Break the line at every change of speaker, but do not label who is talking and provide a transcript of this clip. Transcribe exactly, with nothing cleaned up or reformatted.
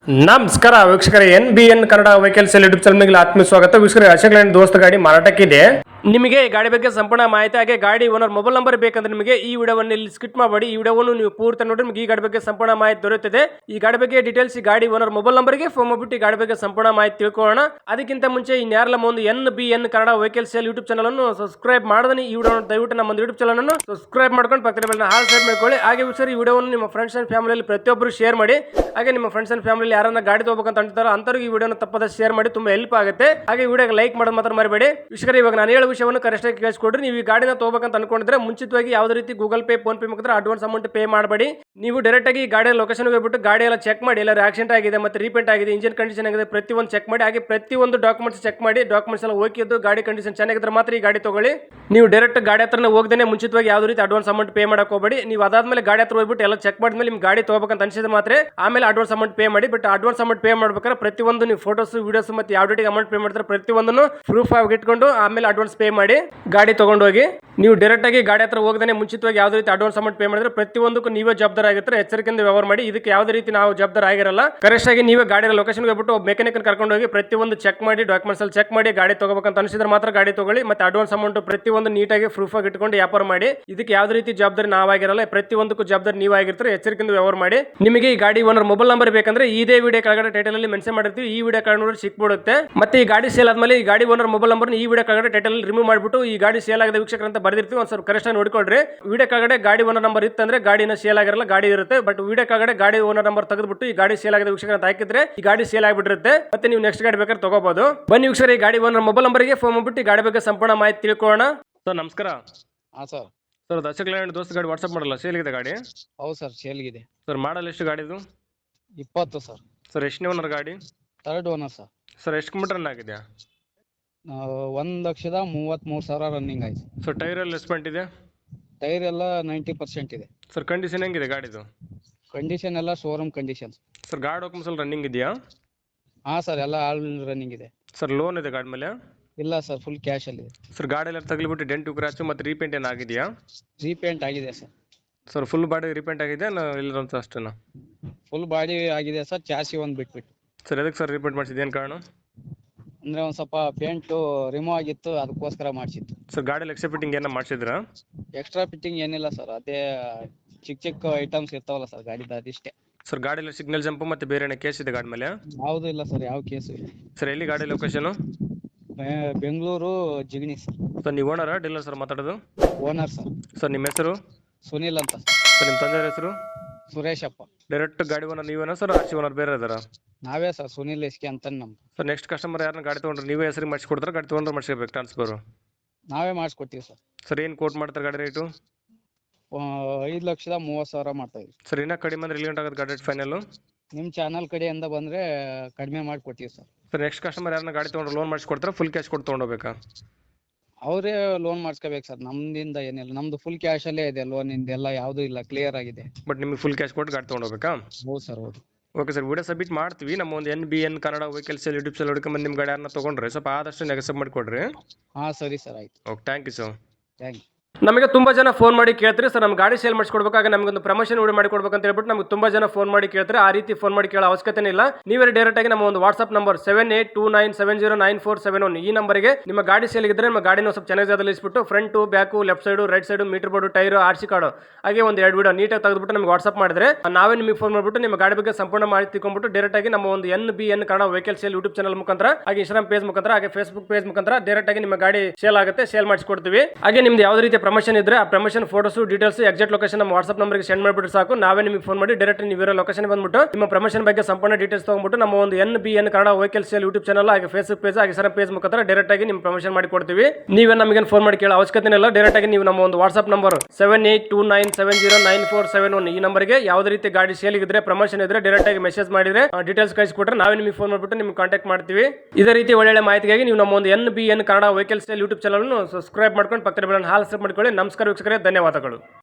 ನಮಸ್ಕಾರ ವೀಕ್ಷಕರೇ, N B N Kannada vehicles YouTube ಚಾನಲ್ಗೆ ಆತ್ಮೀಯ ಸ್ವಾಗತ. ವೀಕ್ಷಕರೇ, ಅಶೋಕ್ ಲ್ಯಾಂಡ್ ದೋಸ್ತ ಗಾಡಿ ಮಾರಾಟಕ್ಕಿದೆ. ನಿಮಗೆ ಈ ಗಾಡಿ ಬಗ್ಗೆ ಸಂಪೂರ್ಣ ಮಾಹಿತಿ ಹಾಗೆ ಗಾಡಿ ಓನರ್ ಮೊಬೈಲ್ ನಂಬರ್ ಬೇಕಂದ್ರೆ ನಿಮಗೆ ಈ ವಿಡಿಯೋವನ್ನು ಇಲ್ಲಿ ಸ್ಕಿಪ್ ಮಾಡಬೇಡಿ. ಈ ವಿಡಿಯೋವನ್ನು ನೀವು ಪೂರ್ತಿ ನೋಡಿ ನಿಮಗೆ ಈ ಗಾಡಿ ಬಗ್ಗೆ ಸಂಪೂರ್ಣ ಮಾಹಿತಿ ದೊರೆಯುತ್ತದೆ. ಈ ಗಾಡಿ ಬಗ್ಗೆ ಡೀಟೇಲ್ಸ್ ಈ ಗಾಡಿ ಓನರ್ ಮೊಬೈಲ್ ನಂಬರ್ಗೆ ಫೋನ್ ಮಾಡಿಬಿಟ್ಟು ಈ ಗಾಡಿ ಬಗ್ಗೆ ಸಂಪೂರ್ಣ ಮಾಹಿತಿ ತಿಳ್ಕೊಳ್ಳೋಣ. ಅದಕ್ಕಿಂತ ಮುಂಚೆ ಇನ್ಯಾರಲ್ಲ ಒಂದು N B N Kannada vehicles YouTube channel ಅನ್ನು ಸಬ್ಸ್ಕ್ರೈಬ್ ಮಾಡದನಿ ಈ ವಿಡಿಯೋ ದಯವಿಟ್ಟು ನಮ್ಮ ಯೂಟ್ಯೂಬ್ ಚಾನಲ್ ಅನ್ನು ಸಬ್ಸ್ಕ್ರೈಬ್ ಮಾಡ್ಕೊಂಡು ಪಕ್ಕದ ಬೆಲ್ ಹಾಲ್ ಸೈಡ್ ಮಾಡ್ಕೊಳ್ಳಿ. ಹಾಗೆ ವೀಕ್ಷಕರು, ಈ ವಿಡಿಯೋವನ್ನು ನಿಮ್ಮ ಫ್ರೆಂಡ್ಸ್ ಅಂಡ್ ಫ್ಯಾಮಿಲಿಯಲ್ಲಿ ಪ್ರತಿಯೊಬ್ಬರು ಶೇರ್ ಮಾಡಿ. ಹಾಗೆ ನಿಮ್ಮ ಫ್ರೆಂಡ್ಸ್ ಅಂಡ್ ಫ್ಯಾಮಿಲಿ ಯಾರನ್ನ ಗಾಡಿ ತಗೋಬೇಕಂತ ಅಂತಾರೋ ಅಂತವ್ರಿಗೆ ಈ ವಿಡಿಯೋನ ತಪ್ಪದ ಶೇರ್ ಮಾಡಿ, ತುಂಬಾ ಹೆಲ್ಪ್ ಆಗುತ್ತೆ. ಹಾಗೆ ವಿಡಿಯೋಗೆ ಲೈಕ್ ಮಾಡೋದು ಮಾತ್ರ ಮರಿಬೇಡಿ. ವೀಕ್ಷಕರೇ, ಇವಾಗ ನಾನು ಹೇಳೋ ವಿಷಯವನ್ನು ಕರೆಕ್ಟ್ ಆಗಿ ಕೇಳಿಸ್ಕೊಡ್ರಿ. ನೀವು ಈ ಗಾಡಿನ ತಗೋಬೇಕಂತ ಅನ್ಕೊಂಡಿದ್ರೆ ಮುಂಚಿತವಾಗಿ ಯಾವುದೇ ರೀತಿ ಗೂಗಲ್ ಪೇ ಫೋನ್ ಪೇ ಮುಖಾಂತರ ಅಡ್ವಾನ್ಸ್ ಅಮೌಂಟ್ ಪೇ ಮಾಡಬೇಡಿ. ನೀವು ಡೈರೆಕ್ಟ್ ಆಗಿ ಗಾಡಿಯ ಲೊಕೇಶನ್ ಹೋಗ್ಬಿಟ್ಟು ಗಾಡಿ ಎಲ್ಲ ಚೆಕ್ ಮಾಡಿ, ಎಲ್ಲ ಆಕ್ಸಿಡೆಂಟ್ ಆಗಿದೆ ಮತ್ತೆ ರೀಪೇಂಟ್ ಆಗಿದೆ, ಇಂಜಿನ್ ಕಂಡೀಷನ್ ಆಗಿದೆ, ಪ್ರತಿಯೊಂದು ಚೆಕ್ ಮಾಡಿ. ಹಾಗೆ ಪ್ರತಿಯೊಂದು ಡಾಕ್ಯುಮೆಂಟ್ಸ್ ಚೆಕ್ ಮಾಡಿ, ಡಾಕ್ಯುಮೆಂಟ್ಸ್ ಎಲ್ಲ ಓಕೆ ಇದ್ದು ಗಾಡಿ ಕಂಡೀಷನ್ ಚೆನ್ನಾಗಿದ್ರೆ ಮಾತ್ರ ಈ ಗಾಡಿ ತಗೊಳ್ಳಿ. ನೀವು ಡೈರೆಕ್ಟ್ ಗಾಡಿ ಹತ್ರನೇ ಹೋಗದೇನೆ ಮುಂಚಿತವಾಗಿ ಯಾವುದೇ ರೀತಿ ಅಡ್ವಾನ್ಸ್ ಅಮೌಂಟ್ ಪೇ ಮಾಡಕ್ಕೆ ಹೋಗಬೇಡಿ. ನೀವು ಅದಾದ್ಮೇಲೆ ಗಾಡಿ ಹತ್ರ ಹೋಗ್ಬಿಟ್ಟು ಎಲ್ಲ ಚೆಕ್ ಮಾಡಿದ್ಮೇಲೆ ನಿಮ್ ಗಾಡಿ ತಗೋಬೇಕಂತ ಅನ್ಸಿದ್ರೆ ಮಾತ್ರ ಆಮೇಲೆ ಅಡ್ವಾನ್ಸ್ ಅಮೌಂಟ್ ಪೇ ಮಾಡಿ. ಬಟ್ ಅಡ್ವಾನ್ಸ್ ಅಮೌಂಟ್ ಪೇ ಮಾಡ್ಬೇಕಾದ್ರೆ ಪ್ರತಿಯೊಂದು ನೀವು ಫೋಟೋಸ್ ವಿಡಿಯೋಸ್ ಮತ್ತೆ ಯಾವ ಡೇಟಿಗೆ ಅಮೌಂಟ್ ಪೇ ಮಾಡ್ತಾರೆ ಪ್ರತಿಯೊಂದನ್ನು ಪ್ರೂಫ್ ಆಗಿ ಇಟ್ಕೊಂಡು ಆಮೇಲೆ ಅಡ್ವಾನ್ಸ್ ಪೇ ಮಾಡಿ ಗಾಡಿ ತಗೊಂಡು ಹೋಗಿ. ನೀವು ಡೈರೆಕ್ಟ್ ಆಗಿ ಗಾಡಿ ಹತ್ರ ಹೋಗದೇ ಮುಂಚಿತವಾಗಿ ಯಾವುದೇ ರೀತಿ ಅಡ್ವಾನ್ಸ್ ಅಮೌಂಟ್ ಪೇ ಮಾಡಿದ್ರೆ ಪ್ರತಿಯೊಂದಕ್ಕೂ ನೀವೇ ಜವಾಬ್ದಾರ ಆಗಿರ್ತಾರೆ. ಎಚ್ಚರಿಕೆಯಿಂದ ವ್ಯವಹಾರ ಮಾಡಿ. ಇದಕ್ಕೆ ಯಾವುದೇ ರೀತಿ ನಾವು ಜವಾಬ್ದಾರ ಆಗಿರಲ್ಲ. ಕರೆಕ್ಟ್ ಆಗಿ ನೀವೇ ಗಾಡಿ ಲೊಕೇಶನ್ ಹೋಗ್ಬಿಟ್ಟು ಮೆಕ್ಯಾನಿಕ್ ಕರ್ಕೊಂಡು ಹೋಗಿ ಪ್ರತಿಯೊಂದು ಚೆಕ್ ಮಾಡಿ, ಡಾಕ್ಯುಮೆಂಟ್ಸ್ ಅಲ್ಲಿ ಚೆಕ್ ಮಾಡಿ ಗಾಡಿ ತಗೋಬೇಕಂತ ಅನಿಸಿದ್ರೆ ಮಾತ್ರ ಗಾಡಿ ತಗೊಳ್ಳಿ. ಮತ್ತೆ ಅಡ್ವಾನ್ಸ್ ಅಮೌಂಟ್ ಪ್ರತಿಯೊಂದು ನೀಟಾಗಿ ಪ್ರೂಫ್ ಆಗಿ ಇಟ್ಕೊಂಡು ವ್ಯಾಪಾರ ಮಾಡಿ. ಇದಕ್ಕೆ ಯಾವುದೇ ರೀತಿ ಜವಾಬ್ದಾರಿ ನಾವಾಗಿರಲ್ಲ. ಪ್ರತಿಯೊಂದಕ್ಕೂ ಜವಾಬ್ದಾರಿ ನೀವು ಆಗಿರ್ತಾರೆ. ಎಚ್ಚರಿಕೆಯಿಂದ ವ್ಯವಹಾರ ಮಾಡಿ. ನಿಮಗೆ ಈ ಗಾಡಿ ಓನರ್ ಮೊಬೈಲ್ ನಂಬರ್ ಬೇಕಂದ್ರೆ ಇದೇ ವಿಡಿಯೋ ಕೆಳಗಡೆ ಟೈಟಲ್ ಅಲ್ಲಿ ಮೆನ್ಷನ್ ಮಾಡಿರ್ತೀವಿ. ಈ ವಿಡಿಯೋ ಕೆಳಗಡೆ ನೋಡಿ ಸಿಕ್ಬಿಡುತ್ತೆ. ಮತ್ತೆ ಈ ಗಾಡಿ ಸೇಲ್ ಆದ್ಮೇಲೆ ಈ ಗಾಡಿ ಓನರ್ ಮೊಬೈಲ್ ನಂಬರ್ ಈ ವಿಡಿಯೋ ಕೆಳಗಡೆ ಟೈಟಲ್ ರಿಮೂವ್ ಮಾಡಿಬಿಟ್ಟು ಈ ಗಾಡಿ ಸೇಲ್ ಆಗಿದೆ ವೀಕ್ಷಕರ ಅಂತ ಬರ್ದಿರ್ತೀವಿ. ಒಂದ್ ಸ್ವಲ್ಪ ಕರೆಕ್ಟ್ ಆಗಿ ನೋಡ್ಕೊಳ್ರಿ. ವಿಡಿಯೋ ಕೆಳಗಡೆ ಗಾಡಿ ಓನರ್ ನಂಬರ್ ಇತ್ತಂದ್ರೆ ಗಾಡಿನ ಸೇಲ್ ಆಗಿರಲ್ಲ, ಗಾಡಿ ಇರುತ್ತೆ. ಬಟ್ ವಿಡಿಯೋ ಕೆಳಗಡೆ ಗಾಡಿ ಓನರ್ ನಂಬರ್ ತೆಗೆದ್ಬಿಟ್ಟು ಈ ಗಾಡಿ ಸೇಲ್ ಆಗಿದೆ ವೀಕ್ಷಕರ ಅಂತ ಹಾಕಿದ್ರೆ ಈ ಗಾಡಿ ಸೇಲ್ ಆಗಿಬಿಟ್ಟಿರುತ್ತೆ. ಮತ್ತೆ ನೀವು ನೆಕ್ಸ್ಟ್ ಗಾಡಿ ಬೇಕಾದ್ರೆ ತಗೋಬಹುದು. ಬನ್ನಿ ವೀಕ್ಷಕರ, ಈ ಗಾಡಿ ಓನರ್ ಮೊಬೈಲ್ ನಂಬರ್ಗೆ ಫೋನ್ ಮಾಡ್ಬಿಟ್ಟು ಈ ಗಾಡಿ ಬಗ್ಗೆ ಸಂಪೂರ್ಣ ಮಾಹಿತಿ ತಿಳ್ಕೊಳ್ಳೋಣ. ಸರ್ ನಮಸ್ಕಾರ.
ಹಾಂ ಸರ್.
ಸರ್ ಅಶೋಕ್ ಲ್ಯಾಂಡ್ ದೋಸ್ತ ಗಾಡಿ ವಾಟ್ಸ್ಆಪ್ ಮಾಡಲ್ಲ, ಸೇಲ್ ಇದೆ ಗಾಡಿ?
ಹೌದು ಸರ್, ಸೇಲ್ಗಿದೆ.
ಸರ್ ಮಾಡಲ್ ಎಷ್ಟು ಗಾಡಿದು?
ಇಪ್ಪತ್ತು ಸರ್.
ಸರ್ ಎಷ್ಟನೇ ಓನರ್ ಗಾಡಿ?
Third owner sir.
ಸರ್ ಎಷ್ಟು ಕಿಲೋಮೀಟರ್ ರನ್ ಆಗಿದೆ?
ಒಂದು ಲಕ್ಷದ ಮೂವತ್ತ್ಮೂರು ಸಾವಿರ ರನ್ನಿಂಗ್ ಆಯ್ತು.
ಸರ್ ಟೈರ್ ಎಲ್ಲ ಎಸ್ಪೆಂಟ್ ಇದೆ?
ಟೈರ್ ಎಲ್ಲ ನೈಂಟಿ ಪರ್ಸೆಂಟ್ ಇದೆ.
ಸರ್ ಕಂಡೀಷನ್ ಹೆಂಗಿದೆ ಗಾಡಿದು?
ಕಂಡೀಷನ್ ಎಲ್ಲ ಶೋರೂಮ್ ಕಂಡೀಷನ್.
ಸರ್ ಗಾಡಿ ಡಾಕ್ಯುಮೆಂಟ್ಸ್ ಎಲ್ಲ ರನ್ನಿಂಗ್ ಇದೆಯಾ?
ಹಾಂ ಸರ್, ಎಲ್ಲ ಆಲ್ ರನ್ನಿಂಗ್ ಇದೆ.
ಸರ್ ಲೋನ್ ಇದೆ ಗಾಡಿ ಮೇಲೆ?
ಇಲ್ಲ ಸರ್, ಫುಲ್ ಕ್ಯಾಶ್ ಅಲ್ಲಿ ಇದೆ.
ಸರ್ ಗಾಡಿ ಎಲ್ಲ ತಗಲಿಬಿಟ್ಟು ಡೆಂಟು ಕ್ರಾಚು ಮತ್ತೆ ರೀಪೇಂಟ್ ಏನು ಆಗಿದೆಯಾ?
ರೀಪೇಂಟ್ ಆಗಿದೆ sir.
Sir full body repaint ಆಗಿದೆ ಇಲ್ಲ ಅಂತ ಅಷ್ಟೇನಾ?
ಫುಲ್ ಬಾಡಿ ಆಗಿದೆ ಸರ್, ಚಾಸಿ ಒಂದು ಬಿಟ್ಬಿಟ್ಟು.
ಸರ್ ಎದಕ್ಕೆ ಸರ್ ರೀಪೇಂಟ್ ಮಾಡಿಸಿದ್ದು, ಏನು ಕಾರಣ?
ಅಂದರೆ ಒಂದು ಸ್ವಲ್ಪ ಪೇಂಟು ರಿಮೂವ್ ಆಗಿತ್ತು, ಅದಕ್ಕೋಸ್ಕರ ಮಾಡಿಸಿತ್ತು.
ಸರ್ ಗಾಡಿ ಎಕ್ಸ್ಟ್ರಾ ಫಿಟ್ಟಿಂಗ್ ಏನೋ ಮಾಡಿಸಿದ್ರಾ?
ಎಕ್ಸ್ಟ್ರಾ ಫಿಟ್ಟಿಂಗ್ ಏನಿಲ್ಲ ಸರ್, ಅದೇ ಚಿಕ್ಕ ಚಿಕ್ಕ ಐಟಮ್ಸ್ ಇರ್ತಾವಲ್ಲ ಸರ್ ಗಾಡಿದು, ಅದಿಷ್ಟೇ.
ಸರ್ ಗಾಡಿ ಎಲ್ಲ ಸಿಗ್ನಲ್ ಜಂಪ್ ಮತ್ತೆ ಬೇರೆ ಏನೋ ಕೇಸ್ ಇದೆ ಗಾಡಿ ಮೇಲೆ?
ಯಾವುದು ಇಲ್ಲ ಸರ್, ಯಾವ ಕೇಸು ಇಲ್ಲ.
ಸರ್ ಎಲ್ಲಿ ಗಾಡಿ location?
Bengaluru Jigani sir.
Sir ನೀವು ಓನರಾ ಡೀಲರ್ ಸರ್ ಮಾತಾಡೋದು?
Owner sir.
ಸರ್ ನಿಮ್ಮ ಹೆಸರು?
ಸುನಿಲ್ ಅಂತ.
ಸರ್ ನಿಮ್ಮ ತಂದೆಯ ಹೆಸರು?
ಸುರೇಶಪ್ಪ.
ಡೈರೆಕ್ಟ್ ಗಾಡಿ ಓನರ್ ನೀವೇನಾ ಸರ್, ಆರ್ ಸಿ ಓನರ್ ಬೇರೆ ಇದಾರಾ?
ನಾವೇ ಸರ್, ಸುನಿಲ್ ಎಸ್ಕೆ ಅಂತ ನಮ್ದು.
ಸರ್ ನೆಕ್ಸ್ಟ್ ಕಸ್ಟಮರ್ ಯಾರನ್ನ ಗಾಡಿ ತೊಗೊಂಡ್ರೆ ನೀವೇ ಹೆಸರಿಗೆ ಮಾಡಿಸ್ಕೊಡ್ತಾರೆ, ಗಾಡಿ ತೊಗೊಂಡ್ರೆ ಮಾಡಿಸ್ಕೋಬೇಕು ಟ್ರಾನ್ಸ್ಫರು?
ನಾವೇ ಮಾಡಿಸ್ಕೊಡ್ತೀವಿ ಸರ್.
ಸರ್ ಏನು ಕೋಟ್ ಮಾಡ್ತಾರೆ ಗಾಡಿ ರೇಟು?
ಐದು ಲಕ್ಷದ ಮೂವತ್ತು ಸಾವಿರ ಮಾಡ್ತಾ ಇದ್ದೀವಿ
ಸರ್. ಇನ್ನೂ ಕಡಿಮೆ ಅಂದ್ರೆ ಎಲ್ಲಿ ಗಂಟೆ ಆಗುತ್ತೆ ಗಾಡಿ ರೇಟ್ ಫೈನಲ್?
ನಿಮ್ಮ ಚಾನಲ್ ಕಡೆಯಿಂದ ಬಂದರೆ ಕಡಿಮೆ ಮಾಡಿಕೊಡ್ತೀವಿ ಸರ್.
ಸರ್ ನೆಕ್ಸ್ಟ್ ಕಸ್ಟಮರ್ ಯಾರನ್ನ ಗಾಡಿ ತೊಗೊಂಡ್ರೆ ಲೋನ್ ಮಾಡಿಸ್ಕೊಡ್ತಾರೆ, ಫುಲ್ ಕ್ಯಾಶ್ ಕೊಟ್ಟು ತೊಗೊಂಡೋಗ್ಬೇಕಾ?
ಅವರೇ ಲೋನ್ ಮಾಡಿಸ್ಕೋಬೇಕು ಸರ್, ನಮ್ದಿಂದ ಏನಿಲ್ಲ. ನಮ್ದು ಫುಲ್ ಕ್ಯಾಶಲ್ಲೇ ಇದೆ, ಲೋನಿಂದ ಎಲ್ಲ ಯಾವುದೂ ಇಲ್ಲ, ಕ್ಲಿಯರ್ ಆಗಿದೆ.
ಬಟ್ ನಿಮಗೆ ಫುಲ್ ಕ್ಯಾಶ್ ಕೊಟ್ಟು ಗಾಡಿ ತೊಗೊಂಡೋಗ್ಬೇಕಾ?
ಹೌದು ಸರ್, ಹೌದು.
ಓಕೆ ಸರ್, ವಿಡಿಯೋ ಸಬ್ಮಿಟ್ ಮಾಡ್ತೀವಿ. ನಮ್ಮ ಒಂದು N B N Kannada vehicles YouTube channel ಹುಡುಕೊಂಬಂದು ನಿಮ್ಮ ಗಾಡಿ ಯಾರನ್ನ ತೊಗೊಂಡ್ರೆ ಸ್ವಲ್ಪ ಆದಷ್ಟು ನೆಗೆಸಬ್ ಮಾಡಿಕೊಡ್ರಿ.
ಹಾಂ ಸರಿ ಸರ್, ಆಯ್ತು.
Okay, thank you sir.
Thank you.
ನಮಗೆ ತುಂಬಾ ಜನ ಫೋನ್ ಮಾಡಿ ಕೇಳ್ತಾರೆ ಸರ್, ನಮ್ಮ ಗಾಡಿ ಸೇಲ್ ಮಾಡಿಸ್ಕೊಡ್ಬೇಕಾಗ ನಮಗೊಂದು ಪ್ರಮೋಷನ್ ವಿಡಿಯೋ ಮಾಡಿಕೊಡ್ಬೇಕು ಅಂತ ಹೇಳ್ಬಿಟ್ಟು ನಮಗೆ ತುಂಬಾ ಜನ ಫೋನ್ ಮಾಡಿ ಕೇಳ್ತಾರೆ. ಆ ರೀತಿ ಫೋನ್ ಮಾಡಿ ಕೇಳೋ ಅವಶ್ಯಕತೆ ಇಲ್ಲ. ನೀವೇ ಡೈರೆಕ್ಟ್ ಆಗಿ ನಮ್ಮ ಒಂದು WhatsApp number seven eight two nine seven zero nine four seven one ಈ ನಂಬರ್ಗೆ ನಿಮ್ಮ ಗಾಡಿ ಸೇಲ್ ಇದ್ರೆ ನಮ್ಮ ಗಾಡಿನ ಸ್ವಲ್ಪ ಚೆನ್ನಾಗಿ ಜಾಗದಲ್ಲಿ ಇಸ್ಬಿಟ್ಟು front back left side right side meter board tyre R C card ಹಾಗೆ ಒಂದು ಎರಡು ವಿಡಿಯೋ ನೀಟಾಗಿ ತೆಗೆದುಬಿಟ್ಟು ನಮಗೆ ವಾಟ್ಸ್ಆಪ್ ಮಾಡಿದ್ರೆ ನಾವೇ ನಿಮಗೆ ಫೋನ್ ಮಾಡಿಬಿಟ್ಟು ನಿಮ್ಮ ಗಾಡಿ ಬಗ್ಗೆ ಸಂಪೂರ್ಣ ಮಾಹಿತಿ ತಿಳ್ಕೊಂಡ್ಬಿಟ್ಟು ಡೈರೆಕ್ಟ್ ಆಗಿ ನಮ್ಮ ಒಂದು N B N Kannada vehicle sale YouTube channel ಮುಖಾಂತರ ಹಾಗೆ ಇನ್ಸ್ಟಾಗ್ರಾಮ್ ಪೇಜ್ ಮುಖಾಂತರ ಹಾಗೆ ಫೇಸ್ಬುಕ್ ಪೇಜ್ ಮುಖಾಂತರ ಡೈರೆಕ್ಟ್ ಆಗಿ ನಿಮ್ಮ ಗಾಡಿ ಸೇಲ್ ಆಗುತ್ತೆ, ಸೇಲ್ ಮಾಡಿಸ್ಕೊಡ್ತೀವಿ. ಹಾಗೆ ನಿಮ್ದು ಯಾವುದೇ ರೀತಿಯ ಪ್ರಮೋಷನ್ ಇದ್ರೆ ಆ promotion photos details exact location ನಮ್ಮ ವಾಟ್ಸ್ಆಪ್ ನಂಬರ್ಗೆ ಸೆಂಡ್ ಮಾಡಿಬಿಟ್ಟು ಸಾಕು. ನಾವೇ ನಿಮಗೆ ಫೋನ್ ಮಾಡಿ ಡೈರೆಕ್ಟ್ ನೀವು ಇರೋ ಲೊಕೇಶನ್ ಬಂದ್ಬಿಟ್ಟು ನಿಮ್ಮ ಪ್ರಮೋಷನ್ ಬಗ್ಗೆ ಸಂಪೂರ್ಣ ಡೀಟೇಲ್ಸ್ ತಗೊಂಡ್ಬಿಟ್ಟು ನಮ್ಮ ಒಂದು N B N Kannada vehicle sale YouTube channel ಹಾಗೆ ಫೇಸ್ಬುಕ್ ಪೇಜ್ ಹಾಗೆ ಸರ್ ಪೇಜ್ ಮುಖಾಂತರ ಡೈರೆಕ್ಟ್ ಆಗಿ ನಿಮ್ಮ ಪ್ರಮೋಷನ್ ಮಾಡಿ ಕೊಡ್ತೀವಿ. ನೀವೇ ನಮಗೆ ಫೋನ್ ಮಾಡಿ ಕೇಳೋ ಅವಶ್ಯಕತೆ ಇಲ್ಲ. ಡೈರೆಕ್ಟ್ ಆಗಿ ನೀವು ನಮ್ಮ ಒಂದು WhatsApp number seven eight two nine seven zero nine four seven one ಈ ನಂಬರ್ಗೆ ಯಾವುದೇ ರೀತಿ ಗಾಡಿ ಸೇಲ್ ಇದ್ರೆ ಪ್ರಮೋಷನ್ ಇದ್ರೆ ಡೈರೆಕ್ಟ್ ಆಗಿ ಮೆಸೇಜ್ ಮಾಡಿದ್ರೆ ಡೀಟೇಲ್ಸ್ ಕಳಿಸಿಕೊಟ್ರೆ ನಾವೇ ನಿಮಗೆ ಫೋನ್ ಮಾಡಿಬಿಟ್ಟು ನಿಮ್ಗೆ ಕಾಂಟ್ಯಾಕ್ಟ್ ಮಾಡ್ತೀವಿ. ಇದೇ ರೀತಿ ಒಳ್ಳೆ ಮಾಹಿತಿಗಾಗಿ ನೀವು ನಮ್ಮ ಒಂದು N B N Kannada vehicle sale YouTube channel subscribe ಮಾಡ್ಕೊಂಡು ಪಕ್ಕದ ಬೆಲ್ ಹಾಲ್ ಸಬ್ ಮಾಡ್ಕೊಳ್ಳಿ. ನಮಸ್ಕಾರ ವೀಕ್ಷಕರೇ, ಧನ್ಯವಾದಗಳು.